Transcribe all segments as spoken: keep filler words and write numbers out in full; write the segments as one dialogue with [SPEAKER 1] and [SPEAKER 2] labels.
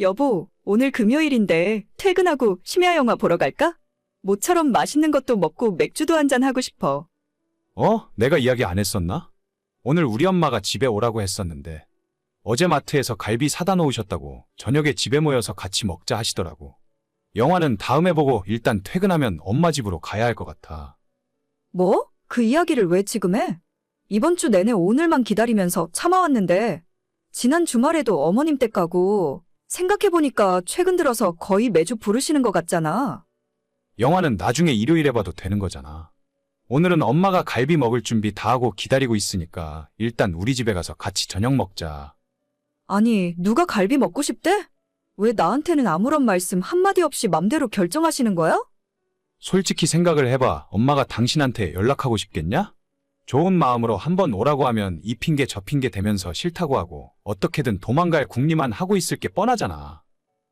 [SPEAKER 1] 여보, 오늘 금요일인데 퇴근하고 심야 영화 보러 갈까? 모처럼 맛있는 것도 먹고 맥주도 한잔 하고 싶어.
[SPEAKER 2] 어? 내가 이야기 안 했었나? 오늘 우리 엄마가 집에 오라고 했었는데 어제 마트에서 갈비 사다 놓으셨다고 저녁에 집에 모여서 같이 먹자 하시더라고. 영화는 다음에 보고 일단 퇴근하면 엄마 집으로 가야 할 것 같아.
[SPEAKER 1] 뭐? 그 이야기를 왜 지금 해? 이번 주 내내 오늘만 기다리면서 참아왔는데 지난 주말에도 어머님 댁 가고 생각해보니까 최근 들어서 거의 매주 부르시는 것 같잖아.
[SPEAKER 2] 영화는 나중에 일요일에 봐도 되는 거잖아. 오늘은 엄마가 갈비 먹을 준비 다 하고 기다리고 있으니까 일단 우리 집에 가서 같이 저녁 먹자.
[SPEAKER 1] 아니, 누가 갈비 먹고 싶대? 왜 나한테는 아무런 말씀 한마디 없이 맘대로 결정하시는 거야?
[SPEAKER 2] 솔직히 생각을 해봐. 엄마가 당신한테 연락하고 싶겠냐? 좋은 마음으로 한번 오라고 하면 이 핑계 저 핑계 대면서 싫다고 하고 어떻게든 도망갈 궁리만 하고 있을 게 뻔하잖아.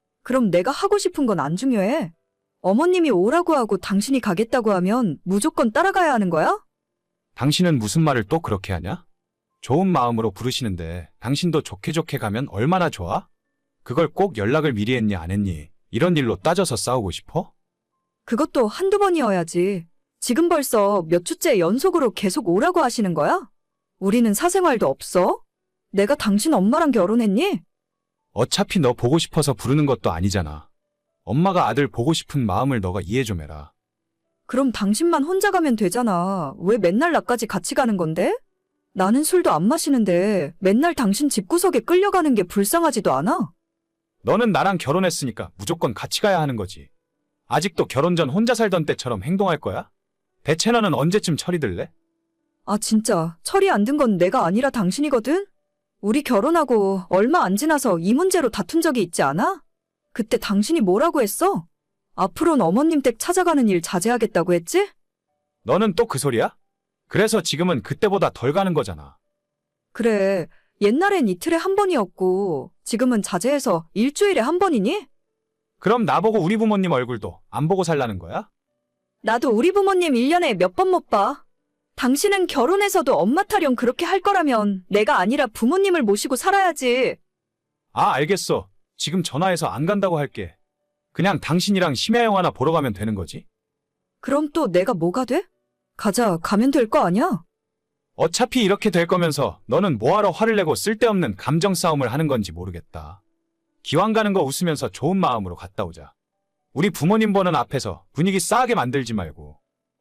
[SPEAKER 1] 그럼 내가 하고 싶은 건 안 중요해. 어머님이 오라고 하고 당신이 가겠다고 하면 무조건 따라가야 하는 거야?
[SPEAKER 2] 당신은 무슨 말을 또 그렇게 하냐? 좋은 마음으로 부르시는데 당신도 좋게 좋게 가면 얼마나 좋아? 그걸 꼭 연락을 미리 했니 안 했니? 이런 일로 따져서 싸우고 싶어?
[SPEAKER 1] 그것도 한두 번이어야지. 지금 벌써 몇 주째 연속으로 계속 오라고 하시는 거야? 우리는 사생활도 없어? 내가 당신 엄마랑 결혼했니?
[SPEAKER 2] 어차피 너 보고 싶어서 부르는 것도 아니잖아. 엄마가 아들 보고 싶은 마음을 너가 이해 좀 해라.
[SPEAKER 1] 그럼 당신만 혼자 가면 되잖아. 왜 맨날 나까지 같이 가는 건데? 나는 술도 안 마시는데 맨날 당신 집구석에 끌려가는 게 불쌍하지도 않아?
[SPEAKER 2] 너는 나랑 결혼했으니까 무조건 같이 가야 하는 거지. 아직도 결혼 전 혼자 살던 때처럼 행동할 거야? 대체 너는 언제쯤 철이 들래?
[SPEAKER 1] 아, 진짜 철이 안 든 건 내가 아니라 당신이거든? 우리 결혼하고 얼마 안 지나서 이 문제로 다툰 적이 있지 않아? 그때 당신이 뭐라고 했어? 앞으로는 어머님 댁 찾아가는 일 자제하겠다고 했지?
[SPEAKER 2] 너는 또 그 소리야? 그래서 지금은 그때보다 덜 가는 거잖아.
[SPEAKER 1] 그래, 옛날엔 이틀에 한 번이었고 지금은 자제해서 일주일에 한 번이니?
[SPEAKER 2] 그럼 나보고 우리 부모님 얼굴도 안 보고 살라는 거야?
[SPEAKER 1] 나도 우리 부모님 일 년에 몇 번 못 봐. 당신은 결혼해서도 엄마 타령 그렇게 할 거라면 내가 아니라 부모님을 모시고 살아야지.
[SPEAKER 2] 아, 알겠어. 지금 전화해서 안 간다고 할게. 그냥 당신이랑 심야 영화나 보러 가면 되는 거지.
[SPEAKER 1] 그럼 또 내가 뭐가 돼? 가자, 가면 될 거 아니야?
[SPEAKER 2] 어차피 이렇게 될 거면서 너는 뭐하러 화를 내고 쓸데없는 감정 싸움을 하는 건지 모르겠다. 기왕 가는 거 웃으면서 좋은 마음으로 갔다 오자. 우리 부모님 보는 앞에서 분위기 싸하게 만들지 말고.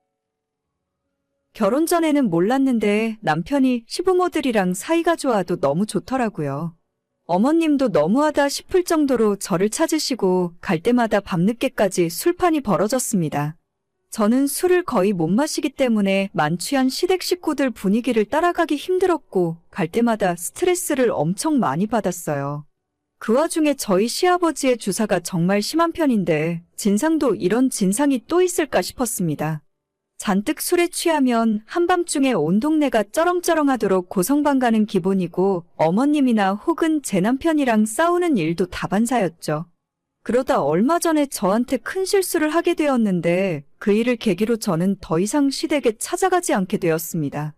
[SPEAKER 1] 결혼 전에는 몰랐는데 남편이 시부모들이랑 사이가 좋아도 너무 좋더라고요. 어머님도 너무하다 싶을 정도로 저를 찾으시고 갈 때마다 밤늦게까지 술판이 벌어졌습니다. 저는 술을 거의 못 마시기 때문에 만취한 시댁 식구들 분위기를 따라가기 힘들었고 갈 때마다 스트레스를 엄청 많이 받았어요. 그 와중에 저희 시아버지의 주사가 정말 심한 편인데 진상도 이런 진상이 또 있을까 싶었습니다. 잔뜩 술에 취하면 한밤중에 온 동네가 쩌렁쩌렁하도록 고성방 가는 기본이고 어머님이나 혹은 제 남편이랑 싸우는 일도 다반사였죠. 그러다 얼마 전에 저한테 큰 실수를 하게 되었는데 그 일을 계기로 저는 더 이상 시댁에 찾아가지 않게 되었습니다.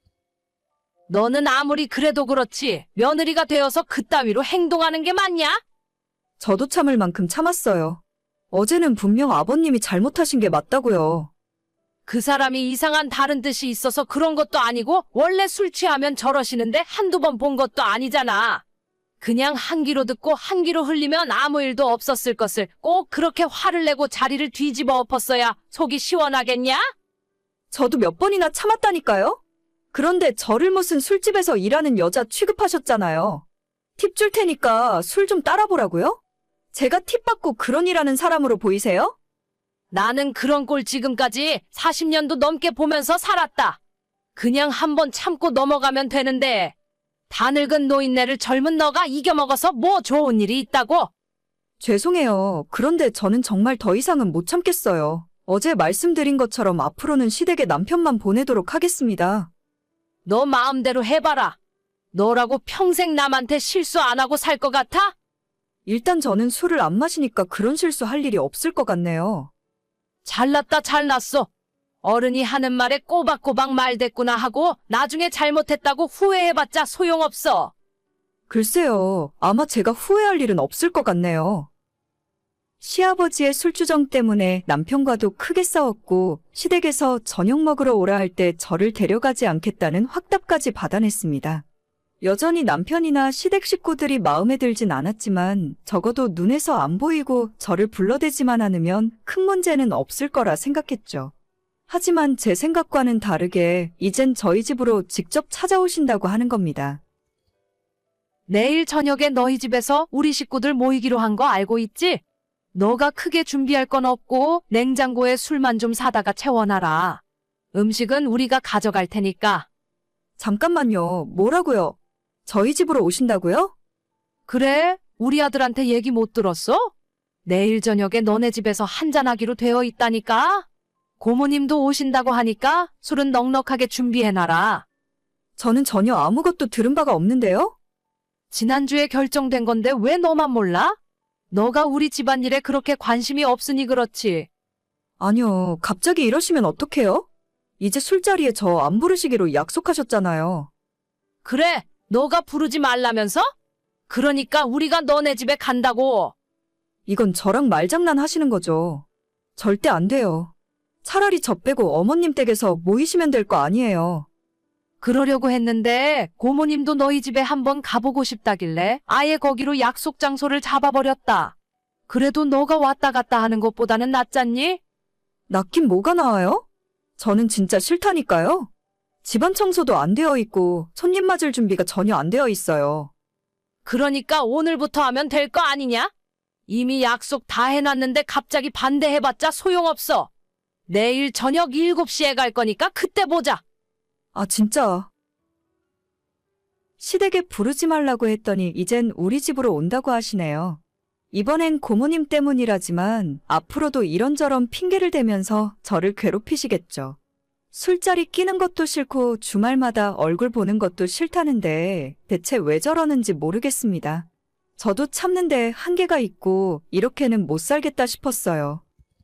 [SPEAKER 3] 너는 아무리 그래도 그렇지 며느리가 되어서 그따위로 행동하는 게 맞냐?
[SPEAKER 1] 저도 참을 만큼 참았어요. 어제는 분명 아버님이 잘못하신 게 맞다고요.
[SPEAKER 3] 그 사람이 이상한 다른 뜻이 있어서 그런 것도 아니고 원래 술 취하면 저러시는데 한두 번 본 것도 아니잖아. 그냥 한 귀로 듣고 한 귀로 흘리면 아무 일도 없었을 것을 꼭 그렇게 화를 내고 자리를 뒤집어 엎었어야 속이 시원하겠냐?
[SPEAKER 1] 저도 몇 번이나 참았다니까요? 그런데 저를 무슨 술집에서 일하는 여자 취급하셨잖아요. 팁 줄 테니까 술 좀 따라보라고요? 제가 팁 받고 그런 일하는 사람으로 보이세요?
[SPEAKER 3] 나는 그런 꼴 지금까지 사십 년도 넘게 보면서 살았다. 그냥 한번 참고 넘어가면 되는데 다 늙은 노인네를 젊은 너가 이겨먹어서 뭐 좋은 일이 있다고?
[SPEAKER 1] 죄송해요. 그런데 저는 정말 더 이상은 못 참겠어요. 어제 말씀드린 것처럼 앞으로는 시댁에 남편만 보내도록 하겠습니다.
[SPEAKER 3] 너 마음대로 해봐라. 너라고 평생 남한테 실수 안 하고 살 것 같아?
[SPEAKER 1] 일단 저는 술을 안 마시니까 그런 실수 할 일이 없을 것 같네요.
[SPEAKER 3] 잘났다 잘났어. 어른이 하는 말에 꼬박꼬박 말댔구나 하고 나중에 잘못했다고 후회해봤자 소용없어.
[SPEAKER 1] 글쎄요, 아마 제가 후회할 일은 없을 것 같네요. 시아버지의 술주정 때문에 남편과도 크게 싸웠고 시댁에서 저녁 먹으러 오라 할 때 저를 데려가지 않겠다는 확답까지 받아냈습니다. 여전히 남편이나 시댁 식구들이 마음에 들진 않았지만 적어도 눈에서 안 보이고 저를 불러대지만 않으면 큰 문제는 없을 거라 생각했죠. 하지만 제 생각과는 다르게 이젠 저희 집으로 직접 찾아오신다고 하는 겁니다.
[SPEAKER 3] 내일 저녁에 너희 집에서 우리 식구들 모이기로 한 거 알고 있지? 너가 크게 준비할 건 없고 냉장고에 술만 좀 사다가 채워놔라. 음식은 우리가 가져갈 테니까.
[SPEAKER 1] 잠깐만요. 뭐라고요? 저희 집으로 오신다고요?
[SPEAKER 3] 그래? 우리 아들한테 얘기 못 들었어? 내일 저녁에 너네 집에서 한잔하기로 되어 있다니까? 고모님도 오신다고 하니까 술은 넉넉하게 준비해놔라.
[SPEAKER 1] 저는 전혀 아무것도 들은 바가 없는데요?
[SPEAKER 3] 지난주에 결정된 건데 왜 너만 몰라? 너가 우리 집안일에 그렇게 관심이 없으니 그렇지.
[SPEAKER 1] 아니요. 갑자기 이러시면 어떡해요? 이제 술자리에 저 안 부르시기로 약속하셨잖아요.
[SPEAKER 3] 그래, 너가 부르지 말라면서? 그러니까 우리가 너네 집에 간다고.
[SPEAKER 1] 이건 저랑 말장난 하시는 거죠. 절대 안 돼요. 차라리 저 빼고 어머님 댁에서 모이시면 될 거 아니에요.
[SPEAKER 3] 그러려고 했는데 고모님도 너희 집에 한번 가보고 싶다길래 아예 거기로 약속 장소를 잡아버렸다. 그래도 너가 왔다 갔다 하는 것보다는 낫잖니?
[SPEAKER 1] 낫긴 뭐가 나아요? 저는 진짜 싫다니까요. 집안 청소도 안 되어 있고 손님 맞을 준비가 전혀 안 되어 있어요.
[SPEAKER 3] 그러니까 오늘부터 하면 될 거 아니냐? 이미 약속 다 해놨는데 갑자기 반대해봤자 소용없어. 내일 저녁 일곱 시에 갈 거니까 그때 보자.
[SPEAKER 1] 아, 진짜. 시댁에 부르지 말라고 했더니 이젠 우리 집으로 온다고 하시네요. 이번엔 고모님 때문이라지만 앞으로도 이런저런 핑계를 대면서 저를 괴롭히시겠죠. 술자리 끼는 것도 싫고 주말마다 얼굴 보는 것도 싫다는데 대체 왜 저러는지 모르겠습니다. 저도 참는데 한계가 있고 이렇게는 못 살겠다 싶었어요.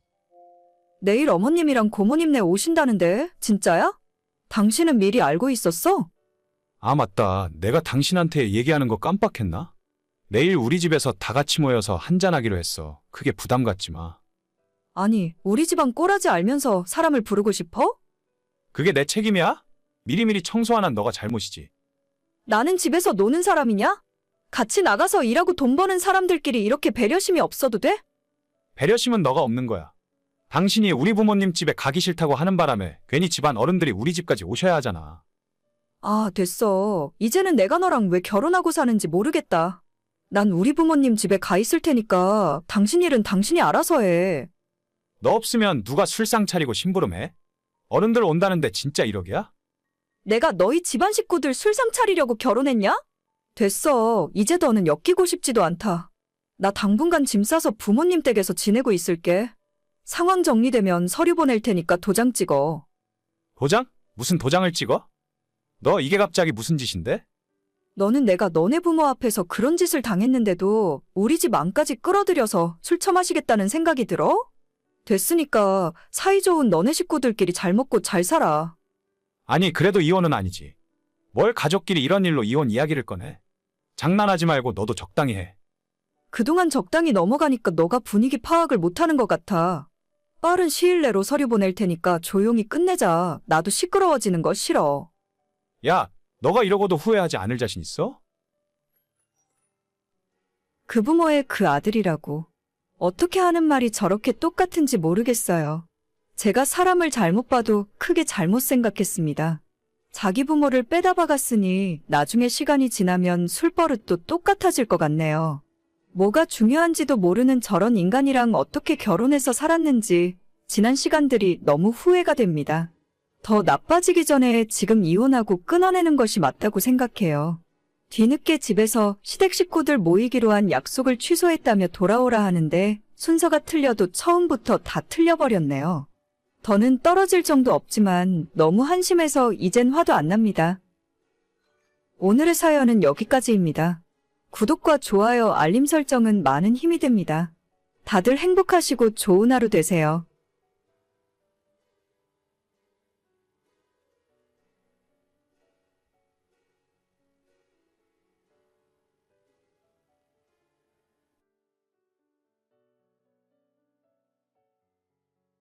[SPEAKER 1] 내일 어머님이랑 고모님네 오신다는데 진짜야? 당신은 미리 알고 있었어?
[SPEAKER 2] 아, 맞다. 내가 당신한테 얘기하는 거 깜빡했나? 내일 우리 집에서 다 같이 모여서 한잔하기로 했어. 크게 부담 갖지 마.
[SPEAKER 1] 아니, 우리 집안 꼬라지 알면서 사람을 부르고 싶어?
[SPEAKER 2] 그게 내 책임이야? 미리미리 청소 안 한 너가 잘못이지.
[SPEAKER 1] 나는 집에서 노는 사람이냐? 같이 나가서 일하고 돈 버는 사람들끼리 이렇게 배려심이 없어도 돼?
[SPEAKER 2] 배려심은 너가 없는 거야. 당신이 우리 부모님 집에 가기 싫다고 하는 바람에 괜히 집안 어른들이 우리 집까지 오셔야 하잖아.
[SPEAKER 1] 아, 됐어. 이제는 내가 너랑 왜 결혼하고 사는지 모르겠다. 난 우리 부모님 집에 가 있을 테니까 당신 일은 당신이 알아서 해.
[SPEAKER 2] 너 없으면 누가 술상 차리고 심부름해? 어른들 온다는데 진짜 이러기야?
[SPEAKER 1] 내가 너희 집안 식구들 술상 차리려고 결혼했냐? 됐어. 이제 더는 엮이고 싶지도 않다. 나 당분간 짐 싸서 부모님 댁에서 지내고 있을게. 상황 정리되면 서류 보낼 테니까 도장 찍어.
[SPEAKER 2] 도장? 무슨 도장을 찍어? 너 이게 갑자기 무슨 짓인데?
[SPEAKER 1] 너는 내가 너네 부모 앞에서 그런 짓을 당했는데도 우리 집 안까지 끌어들여서 술 처마시겠다는 생각이 들어? 됐으니까 사이좋은 너네 식구들끼리 잘 먹고 잘 살아.
[SPEAKER 2] 아니, 그래도 이혼은 아니지. 뭘 가족끼리 이런 일로 이혼 이야기를 꺼내? 장난하지 말고 너도 적당히 해.
[SPEAKER 1] 그동안 적당히 넘어가니까 너가 분위기 파악을 못하는 것 같아. 빠른 시일 내로 서류 보낼 테니까 조용히 끝내자. 나도 시끄러워지는 거 싫어.
[SPEAKER 2] 야, 너가 이러고도 후회하지 않을 자신 있어?
[SPEAKER 1] 그 부모의 그 아들이라고. 어떻게 하는 말이 저렇게 똑같은지 모르겠어요. 제가 사람을 잘못 봐도 크게 잘못 생각했습니다. 자기 부모를 빼다 박았으니 나중에 시간이 지나면 술버릇도 똑같아질 것 같네요. 뭐가 중요한지도 모르는 저런 인간이랑 어떻게 결혼해서 살았는지 지난 시간들이 너무 후회가 됩니다. 더 나빠지기 전에 지금 이혼하고 끊어내는 것이 맞다고 생각해요. 뒤늦게 집에서 시댁 식구들 모이기로 한 약속을 취소했다며 돌아오라 하는데 순서가 틀려도 처음부터 다 틀려버렸네요. 더는 떨어질 정도 없지만 너무 한심해서 이젠 화도 안 납니다. 오늘의 사연은 여기까지입니다. 구독과 좋아요, 알림 설정은 많은 힘이 됩니다. 다들 행복하시고 좋은 하루 되세요.